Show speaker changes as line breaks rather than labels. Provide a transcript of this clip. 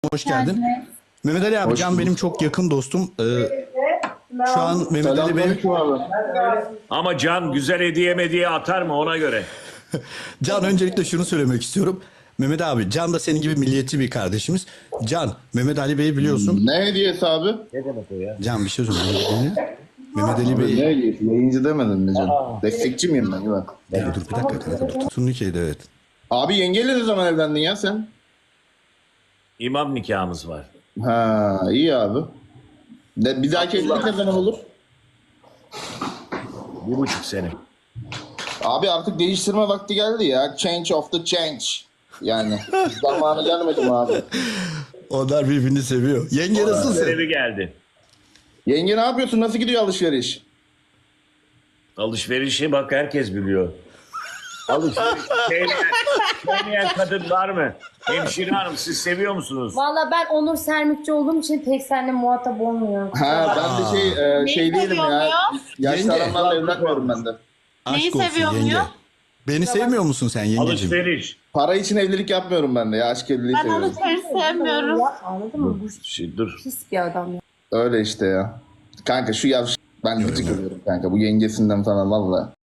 Hoş geldin. Mehmet Ali abi,
Hoş
Can
bulduk.
benim çok yakın dostum. Şu an Mehmet Ali Bey,
Selamünaleyküm abi.
Ama Can güzel hediye atar mı ona göre?
Can öncelikle şunu söylemek istiyorum. Mehmet abi, Can da senin gibi milliyetçi bir kardeşimiz. Can, Mehmet Ali Bey'i biliyorsun.
Ne hediyesi abi?
Ne demek o ya?
Can bir şey söyleyeyim. Mehmet Ali
Ne
Bey...
hediyesi? Yayıncı demedim mi canım? Destekçi miyim ben? Yok.
Dur bir dakika kanka, dur. Turnike'ydi, evet.
Abi yengeyle ne zaman evlendin ya sen?
İmam nikahımız var.
Ha iyi abi. Bir dahaki evlilik ne zaman olur?
1,5 sene.
Abi artık değiştirme vakti geldi ya. Change of the change. Yani zamanı gelmedi mi abi?
Onlar birbirini seviyor. Yenge nasılsın?
Görevi geldi.
Yenge ne yapıyorsun? Nasıl gidiyor alışveriş?
Alışverişi bak herkes biliyor. Alışveriş sevmeyen kadın var mı? Hemşire hanım siz seviyor musunuz?
Valla ben Onur Sermikçi olduğum için pek seninle muhatap olmuyorum.
Ha ben de şey değilim ya. Yaşlı
Yenge.
adamlarla evlenmiyorum ben de.
Aşk olsun
seviyor
yenge.
muyum?
Beni sevmiyor musun sen yengeciğim?
Alışveriş.
Para için evlilik yapmıyorum ben de ya. Aşk evliliği
Ben
seviyorum.
alışveriş sevmiyorum.
Anladın mı? Bu
Dur.
pis bir adam ya.
Öyle işte ya. Kanka şu yavş... Ben gıcık oluyorum kanka bu yengesinden falan valla.